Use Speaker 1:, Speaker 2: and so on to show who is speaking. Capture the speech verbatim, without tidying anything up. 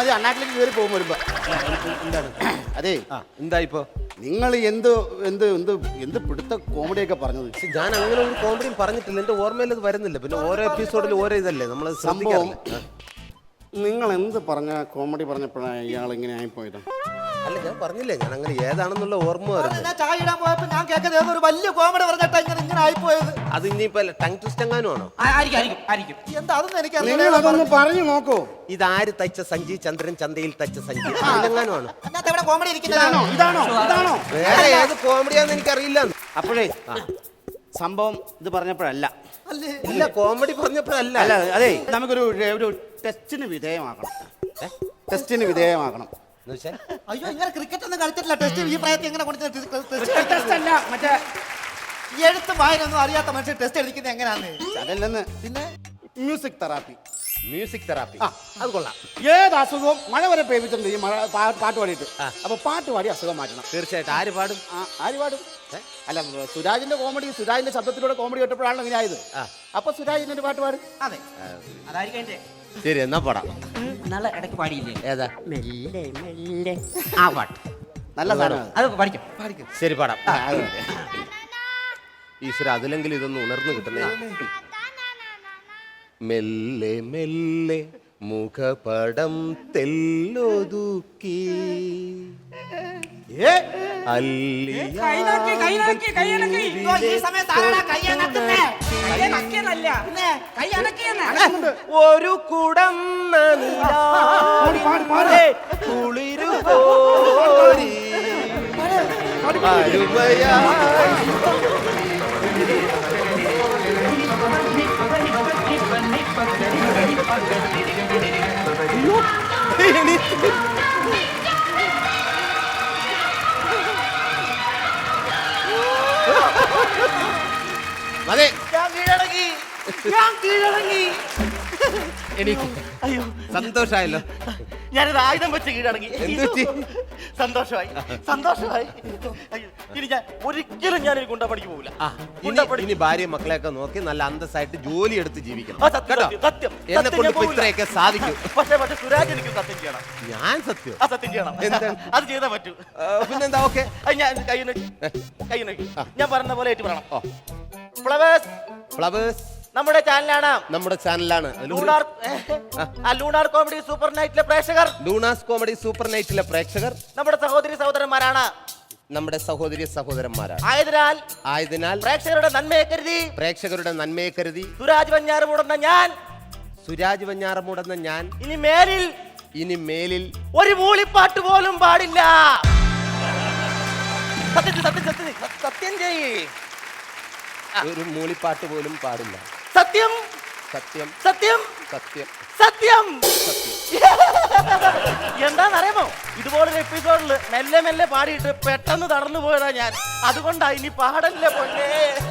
Speaker 1: മതി അണ്ണാക്കിലേക്ക് കയറി പോകും വരുമ്പോ.
Speaker 2: എന്താണ്
Speaker 1: അതെ
Speaker 2: എന്താ ഇപ്പൊ
Speaker 1: നിങ്ങൾ എന്ത് എന്ത് എന്ത് എന്ത് പിടുത്ത കോമഡിയൊക്കെ പറഞ്ഞത്?
Speaker 2: ഞാൻ അങ്ങനെ ഒരു കോമഡിയും പറഞ്ഞിട്ടില്ല, എന്റെ ഓർമ്മയിൽ അത് വരുന്നില്ല. പിന്നെ ഓരോ എപ്പിസോഡിൽ ഓരോ ഇതല്ലേ നമ്മൾ
Speaker 1: സംഭവം. നിങ്ങൾ എന്ത് പറഞ്ഞ കോമഡി പറഞ്ഞപ്പോഴാണ് ഇയാൾ ഇങ്ങനെ ആയിപ്പോയത്?
Speaker 2: അല്ല ഞാൻ പറഞ്ഞില്ലേ, ഞാൻ അങ്ങനെ ഏതാണെന്നുള്ള ഓർമ്മ വരുന്നത്.
Speaker 3: ഞാൻ ചായ ഇടാൻ പോയപ്പോ ഞാൻ കേൾക്കുന്നത് ഒരു വലിയ കോമഡി പറഞ്ഞിട്ടാ ഇങ്ങനെ ഇങ്ങനെ ആയിപ്പോയത്.
Speaker 2: അത് ഇനിയിപ്പോ ടങ് ട്വിസ്റ്റ് എങ്ങാനും ആണോ?
Speaker 3: എന്താ അതൊന്നും എനിക്ക്
Speaker 1: നിങ്ങൾ അതൊന്ന് പറഞ്ഞു നോക്കൂ.
Speaker 2: ഇതാര് തയ്ച്ച സഞ്ചി? ചന്ദ്രൻ ചന്തയിൽ തയ്ച്ച സഞ്ചി എങ്ങാനും ആണോ?
Speaker 3: ഇവിടെ കോമഡി
Speaker 1: ഇതാണോ ഇതാണോ ഇതാണോ?
Speaker 2: വേറെ ഏത് കോമഡിയാന്ന് എനിക്കറിയില്ല.
Speaker 1: അപ്പോഴേ സംഭവം ഇത് പറഞ്ഞപ്പോഴല്ല.
Speaker 2: ഇല്ല, കോമഡി പറഞ്ഞപ്പോഴല്ല.
Speaker 1: അല്ല അതെ, നമുക്കൊരു ഒരു ടെസ്റ്റിന് വിധേയമാക്കണം. ടെസ്റ്റിന് വിധേയമാക്കണം.
Speaker 3: അയ്യോ, ഇങ്ങനെ ക്രിക്കറ്റ് ഒന്നും കളിച്ചിട്ടില്ല. ടെസ്റ്റ് ഈ പ്രായത്തിൽ എങ്ങനെ
Speaker 1: ടെസ്റ്റ് അല്ല, മറ്റേ
Speaker 3: എഴുത്തും വായനൊന്നും അറിയാത്ത മനുഷ്യൻ ടെസ്റ്റ് എടുക്കുന്നത് എങ്ങനെയാന്ന്?
Speaker 1: അതല്ലെന്ന്.
Speaker 3: പിന്നെ
Speaker 1: മ്യൂസിക് തെറാപ്പി.
Speaker 2: Music therapy.
Speaker 1: ആ,
Speaker 2: അത് കൊള്ളാം.
Speaker 1: ഏത് അസുഖവും മഴ വരെ പേപ്പിച്ചിട്ടുണ്ട് ഈ മഴ പാ- പാട്ട് പാടിയിട്ട്. അപ്പൊ പാട്ട് പാടി അസുഖം മാറ്റണം.
Speaker 2: തീർച്ചയായിട്ടും. ആര് പാടും?
Speaker 1: ആ, ആര് പാടും? അല്ല, സുരാജിന്റെ കോമഡി, സുരാജിന്റെ ശബ്ദത്തിലൂടെ കോമഡി കേട്ടപ്പോഴാണ് ഇങ്ങനെ ആയത്. അപ്പൊ സുരാജിന്റെ ഒരു പാട്ട് പാടും.
Speaker 3: അതെ, അതായിരിക്കും.
Speaker 2: ശരി, എന്നാ പാടാം.
Speaker 3: നല്ല ഇടയ്ക്ക് പാടിയില്ലേ?
Speaker 2: ഏതാ?
Speaker 3: മെല്ലെ മെല്ലെ ആ പാട്ട്
Speaker 1: നല്ല സാധനം.
Speaker 3: അത് പഠിക്കും പഠിക്കും.
Speaker 2: ശരി, പാടാം.
Speaker 1: ആ, അത് മതി.
Speaker 2: ഈശ്വര, അതിലെങ്കിലും ഇതൊന്ന് ഉണർന്നു കിട്ടുന്നേ. മെല്ലെ മെല്ലെ മുഖപടം തെല്ലൊതുക്കി
Speaker 1: ഏ,
Speaker 2: ഒരു കുടം കുളിരു കോരി അരുമയാ അതെ,
Speaker 3: ഞാൻ കീഴടങ്ങി, ഞാൻ കീഴടങ്ങി.
Speaker 2: എനിക്ക്
Speaker 3: അയ്യോ,
Speaker 2: സന്തോഷായല്ലോ.
Speaker 3: ഞാനത് ആയുധം വെച്ച് കീഴടങ്ങി.
Speaker 2: എന്തുപറ്റി?
Speaker 3: സന്തോഷമായി, സന്തോഷമായി. അയ്യോ, ഇനി ഞാൻ ഒരിക്കലും ഞാൻ ഗുണ്ടാ പണിക്ക് പോകില്ല.
Speaker 2: ഇനി ഇനി ഭാര്യയും മക്കളെയൊക്കെ നോക്കി നല്ല അന്തസ്സായിട്ട് ജോലി എടുത്ത് ജീവിക്കണം.
Speaker 3: ആ, സത്യം, സത്യം, സത്യം.
Speaker 2: എന്നെ
Speaker 3: സത്യം
Speaker 2: കൊണ്ട്
Speaker 3: ഞാൻ
Speaker 2: ഇപ്പൊ
Speaker 3: പോകില്ല.
Speaker 2: ഇത്രയൊക്കെ സാധിക്കും.
Speaker 3: പക്ഷേ പക്ഷേ സുരാജ് എനിക്ക് സത്യം ചെയ്യണം.
Speaker 2: ഞാൻ സത്യം.
Speaker 3: ആ, സത്യം ചെയ്യണം.
Speaker 2: എന്ത്?
Speaker 3: അത് ചെയ്താൽ പറ്റൂ.
Speaker 2: ആ, പിന്നെന്താ? ഓക്കെ,
Speaker 3: അത് ഞാൻ കൈ നോക്കി കൈ നോക്കി ഞാൻ പറഞ്ഞ പോലെ ഏറ്റു പറയണം. ഫ്ലവേഴ്സ്
Speaker 2: ഫ്ലവേഴ്സ്
Speaker 3: നമ്മുടെ ചാനലാണ്.
Speaker 2: നമ്മുടെ ചാനലാണ്.
Speaker 3: ലൂണാർ ആ, ലൂണാർ കോമഡി സൂപ്പർ നൈറ്റിലെ പ്രേക്ഷകർ,
Speaker 2: ലൂണാസ് കോമഡി സൂപ്പർ നൈറ്റിലെ പ്രേക്ഷകർ
Speaker 3: നമ്മുടെ സഹോദരി സഹോദരന്മാരാണ്.
Speaker 2: നമ്മുടെ സഹോദരി സഹോദരന്മാരാണ്.
Speaker 3: ആയതിനാൽ
Speaker 2: ആയതിനാൽ
Speaker 3: പ്രേക്ഷകരുടെ നന്മയെ കരുതി
Speaker 2: പ്രേക്ഷകരുടെ നന്മയെ കരുതി
Speaker 3: സുരാജ് വഞ്ഞാറുമൂടുന്ന ഞാൻ
Speaker 2: സുരാജ് വഞ്ഞാറമൂടെന്ന ഞാൻ
Speaker 3: ഇനി മേലിൽ
Speaker 2: ഇനി മേലിൽ
Speaker 3: ഒരു മൂളിപ്പാട്ട് പോലും പാടില്ല. സത്യം സത്യം സത്യം സത്യം ചെയ്യ്.
Speaker 2: ഒരു മൂളിപ്പാട്ട് പോലും പാടില്ല.
Speaker 3: സത്യം
Speaker 2: സത്യം
Speaker 3: സത്യം
Speaker 2: സത്യം
Speaker 3: സത്യം.
Speaker 2: സത്യം.
Speaker 3: എന്താണെന്നറിയാമോ, ഇതുപോലൊരു എപ്പിസോഡിൽ മെല്ലെ മെല്ലെ പാടിയിട്ട് പെട്ടെന്ന് തടന്നു പോയതാ ഞാൻ. അതുകൊണ്ടാ ഇനി പാടല്ലേ പൊന്നേ.